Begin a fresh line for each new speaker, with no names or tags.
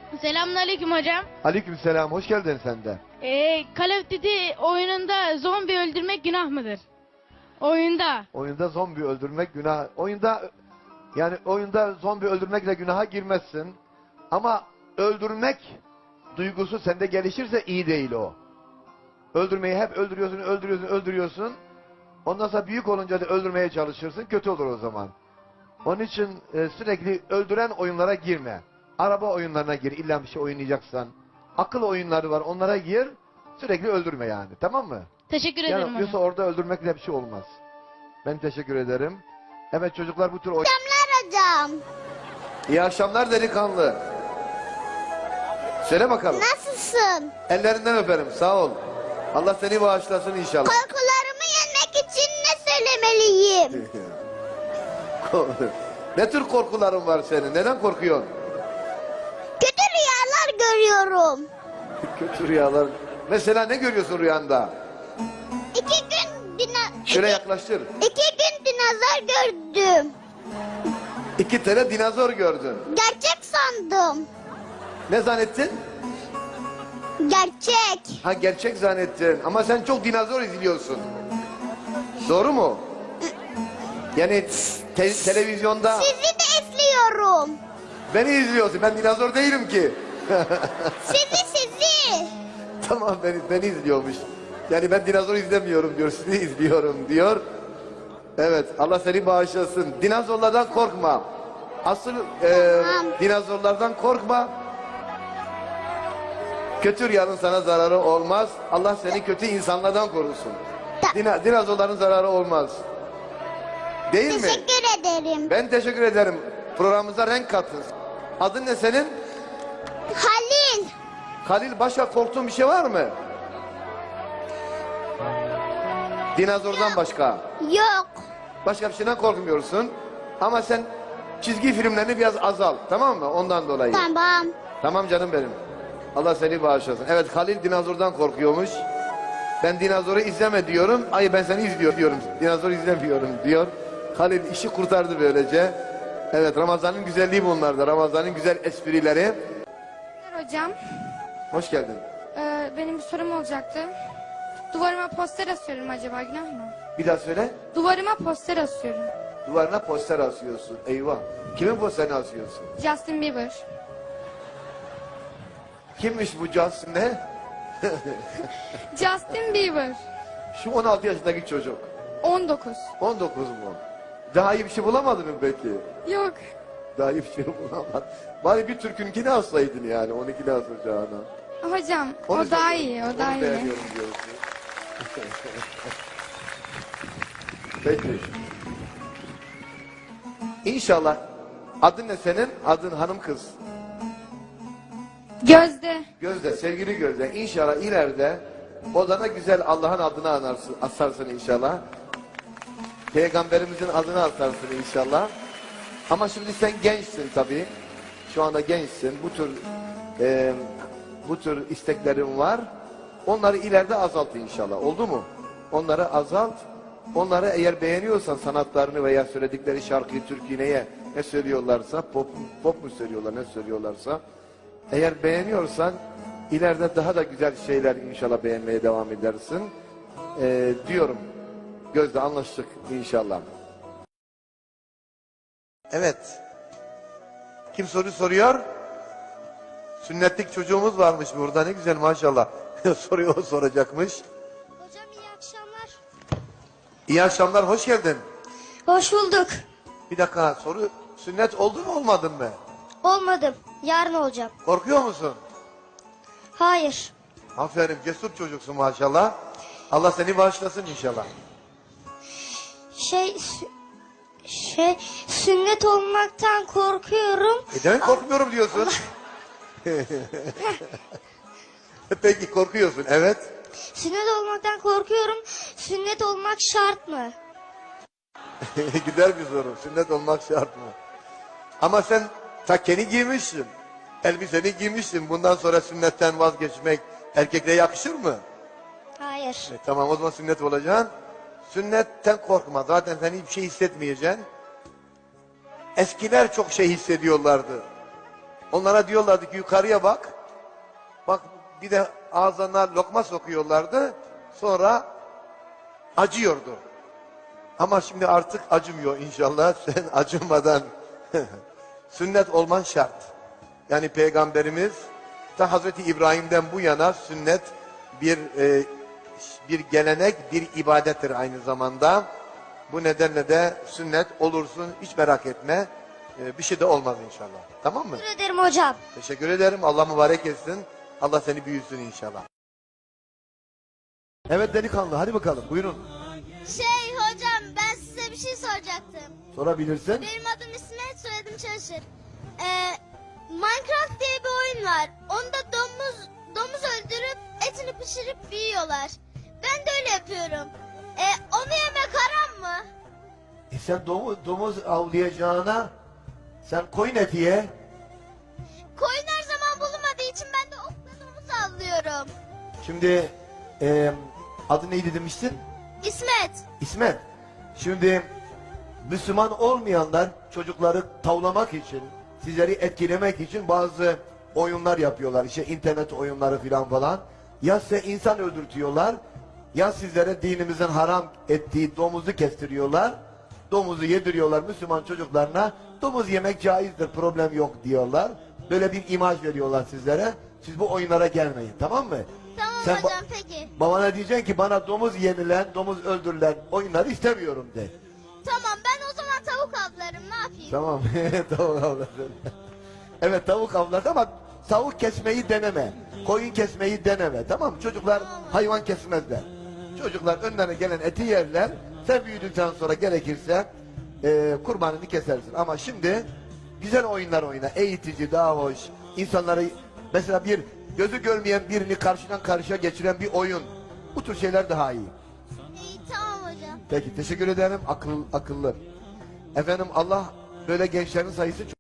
Selamünaleyküm hocam.
Aleykümselam, hoş geldin sen de.
Call of Duty oyununda zombi öldürmek günah mıdır? Oyunda.
Oyunda zombi öldürmek günah. Oyunda zombi öldürmekle günaha girmezsin. Ama öldürmek duygusu sende gelişirse iyi değil o. Öldürmeyi hep öldürüyorsun. Ondan sonra büyük olunca da öldürmeye çalışırsın, kötü olur o zaman. Onun için sürekli öldüren oyunlara girme. Araba oyunlarına gir, illa bir şey oynayacaksan. Akıl oyunları var, onlara gir. Sürekli öldürme yani, tamam mı?
Teşekkür ederim hocam.
Yoksa orada öldürmekle bir şey olmaz. Ben teşekkür ederim. Evet çocuklar, bu tür oyun...
Akşamlar hocam.
İyi akşamlar delikanlı. Söyle bakalım.
Nasılsın?
Ellerinden öperim, sağ ol. Allah seni bağışlasın inşallah.
Korkularımı yenmek için ne söylemeliyim?
Ne tür korkuların var senin? Neden korkuyorsun?
Kötü rüyalar görüyorum.
Kötü rüyalar. Mesela ne görüyorsun rüyanda? Şöyle yaklaştır.
2 gün dinozor gördüm.
2 tane dinozor gördün.
Gerçek sandım.
Ne zannettin?
Gerçek.
Ha, gerçek zannettin. Ama sen çok dinozor izliyorsun. Doğru mu? Yani televizyonda
Sizi de izliyorum.
beni izliyorsun. Ben dinozor değilim ki.
Sizi.
Tamam, beni izliyormuş. Yani ben dinozor izlemiyorum diyor. Sizi izliyorum diyor. Evet, Allah seni bağışlasın. Dinozorlardan korkma. Asıl
Tamam.
dinozorlardan korkma. Kötü rüyanın sana zararı olmaz. Allah seni kötü insanlardan korusun. Dinozorların zararı olmaz. Değil mi?
Teşekkür ederim.
Ben teşekkür ederim. Programımıza renk kattın. Adın ne senin?
Halil.
Halil, başka korktuğun bir şey var mı? Dinozordan başka.
Yok.
Başka bir şeyden korkmuyorsun. Ama sen çizgi filmlerini biraz azalt. Tamam mı? Ondan dolayı.
Tamam.
Tamam canım benim. Allah seni bağışlasın. Evet, Halil dinozordan korkuyormuş. Ben dinozoru izleme diyorum. Ay, ben seni izliyorum diyorum. Dinozor izlemiyorum diyor. Halil işi kurtardı böylece. Evet, Ramazan'ın güzelliği bunlarda. Ramazan'ın güzel esprileri.
Hocam,
Hoş geldin.
benim bir sorum olacaktı. Duvarıma poster asıyorum, acaba günah mı?
Bir daha söyle.
Duvarıma poster asıyorum.
Duvarına poster asıyorsun. Eyvah. Kimin posterini asıyorsun?
Justin Bieber.
Kimmiş bu Justin ne?
Justin Bieber.
Şu 16 yaşındaki çocuk.
19.
19 mu? Daha iyi bir şey bulamadın mı peki?
Yok.
Daha iyi bir şey bulamadın. Bari bir Türk'ünkini alsaydın yani. 12'ni asacağına.
Hocam,
Onu
o daha
söylüyorum.
iyi, o daha
Onu
iyi.
beğeniyorum diyorsun. Peki. İnşallah. Adın ne senin? Adın hanım kız.
Gözde.
Gözde, sevgili Gözde. İnşallah ileride odana güzel Allah'ın adını asarsın inşallah. Peygamberimizin adını asarsın inşallah. Ama şimdi sen gençsin tabii. Şu anda gençsin. Bu tür isteklerin var. Onları ileride azalt inşallah. Oldu mu? Onları azalt. Onları eğer beğeniyorsan sanatlarını veya söyledikleri şarkıyı, türküyü ne söylüyorlarsa, pop mu söylüyorlar, ne söylüyorlarsa, eğer beğeniyorsan ileride daha da güzel şeyler inşallah beğenmeye devam edersin. Diyorum. Gözde, anlaştık inşallah. Evet. Kim soru soruyor? Sünnetlik çocuğumuz varmış burada. Ne güzel maşallah. Soruyor, o soracakmış.
Hocam iyi akşamlar.
İyi akşamlar, hoş geldin.
Hoş bulduk.
Bir dakika, sünnet oldu mu olmadın mı?
Olmadım. Yarın olacağım.
Korkuyor musun?
Hayır.
Aferin, cesur çocuksun maşallah. Allah seni bağışlasın inşallah.
Sünnet olmaktan korkuyorum.
Demek korkmuyorum diyorsun. Peki, korkuyorsun, evet.
Sünnet olmaktan korkuyorum. Sünnet olmak şart mı?
Güzel bir soru. Sünnet olmak şart mı? Ama sen takkeni giymişsin. Elbiseni giymişsin. Bundan sonra sünnetten vazgeçmek erkekliğe yakışır mı?
Hayır.
Tamam, o zaman sünnet olacaksın. Sünnetten korkma. Zaten sen hiçbir şey hissetmeyeceksin. Eskiler çok şey hissediyorlardı. Onlara diyorlardı ki yukarıya bak. Bak bir de ağzına lokma sokuyorlardı. Sonra acıyordu. Ama şimdi artık acımıyor inşallah. Sen acımadan sünnet olman şart. Yani Peygamberimiz ta Hazreti İbrahim'den bu yana sünnet bir gelenek, bir ibadettir aynı zamanda. Bu nedenle de sünnet olursun, hiç merak etme. Bir şey de olmaz inşallah. Tamam mı?
Teşekkür ederim hocam.
Teşekkür ederim. Allah mübarek etsin. Allah seni büyüsün inşallah. Evet delikanlı, hadi bakalım buyurun.
Hocam ben size bir şey soracaktım.
Sorabilirsin.
Benim adım İsmet, soyadım Çalışır. Minecraft diye bir oyun var. Onda domuz öldürüp etini pişirip yiyorlar. Ben de öyle yapıyorum. Onu yemek haram mı?
Sen domuz avlayacağına sen koyun eti ye.
Koyun her zaman bulunmadığı için ben de okla domuz avlıyorum.
Şimdi adı neydi demiştin?
İsmet.
İsmet. Şimdi Müslüman olmayanlar çocukları tavlamak için, sizleri etkilemek için bazı oyunlar yapıyorlar. İşte internet oyunları filan falan. Ya size insan öldürtüyorlar, ya sizlere dinimizin haram ettiği domuzu kestiriyorlar. Domuzu yediriyorlar Müslüman çocuklarına. Domuz yemek caizdir, problem yok diyorlar. Böyle bir imaj veriyorlar sizlere. Siz bu oyunlara gelmeyin, tamam mı?
Tamam
Sen
hocam peki.
babana diyeceksin ki bana domuz yenilen, domuz öldürülen oyunları istemiyorum de.
Tamam ben o zaman tavuk avlarım, ne yapayım?
Tamam. Tavuk avlasın. Evet tavuk avlasın ama tavuk kesmeyi deneme. Koyun kesmeyi deneme. Tamam mı? Çocuklar hayvan kesmezler. Çocuklar önlerine gelen eti yerler. Sen büyüdükten sonra gerekirse kurbanını kesersin. Ama şimdi güzel oyunlar oyna. Eğitici, daha hoş. İnsanları mesela bir gözü görmeyen birini karşıdan karşıya geçiren bir oyun. Bu tür şeyler daha iyi.
İyi tamam hocam.
Peki teşekkür ederim. Akıllı. Efendim Allah böyle gençlerin sayısı çok.